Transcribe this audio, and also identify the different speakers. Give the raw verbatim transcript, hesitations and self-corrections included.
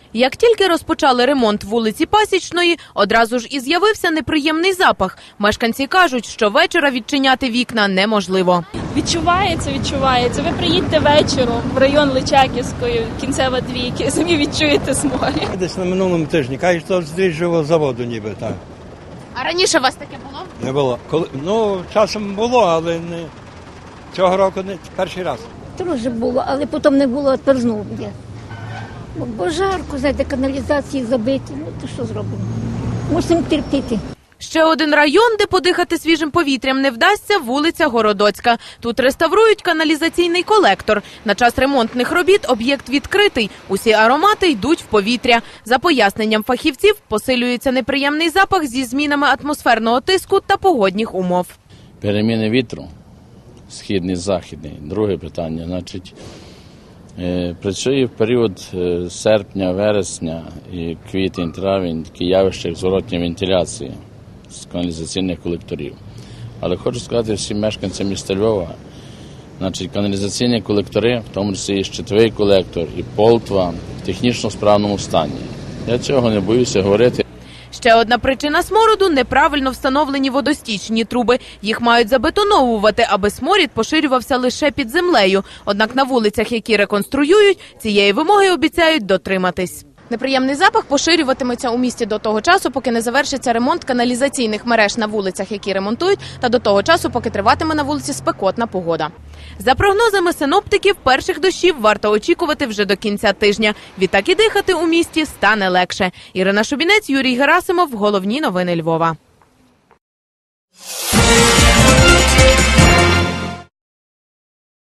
Speaker 1: Як тільки розпочали ремонт вулиці Пасічної, одразу ж і з'явився неприємний запах. Мешканці кажуть, що вечора відчиняти вікна неможливо.
Speaker 2: Відчувається, відчувається. Ви приїдьте вечором в район Личаківської, кінцева двійки, самі відчуєте сморід.
Speaker 3: Десь на минулому тижні, кажуть, що з дріжджового заводу ніби так.
Speaker 1: А раніше у вас таке було?
Speaker 3: Не було. Коли, ну, часом було, але не цього року не перший раз.
Speaker 4: Трохи було, але потім не було, а тепер знову є. Бо, бо жарко, знаєте, каналізації забиті, ну то що зробимо? Мусимо терпіти.
Speaker 1: Ще один район, де подихати свіжим повітрям не вдасться – вулиця Городоцька. Тут реставрують каналізаційний колектор. На час ремонтних робіт об'єкт відкритий. Усі аромати йдуть в повітря. За поясненням фахівців, посилюється неприємний запах зі змінами атмосферного тиску та погодних умов.
Speaker 5: Переміни вітру, східний, західний. Друге питання, значить, е, працює в період е, серпня, вересня і квітень, травень, такі явища, як зворотня вентиляція з каналізаційних колекторів. Але хочу сказати всім мешканцям міста Львова, значить, каналізаційні колектори, в тому числі і щитовий колектор, і Полтва, в технічно справному стані. Я цього не боюся говорити.
Speaker 1: Ще одна причина смороду – неправильно встановлені водостічні труби. Їх мають забетоновувати, аби сморід поширювався лише під землею. Однак на вулицях, які реконструюють, цієї вимоги обіцяють дотриматись. Неприємний запах поширюватиметься у місті до того часу, поки не завершиться ремонт каналізаційних мереж на вулицях, які ремонтують, та до того часу, поки триватиме на вулиці спекотна погода. За прогнозами синоптиків, перших дощів варто очікувати вже до кінця тижня. Відтак і дихати у місті стане легше. Ірина Шубінець, Юрій Герасимов. Головні новини Львова.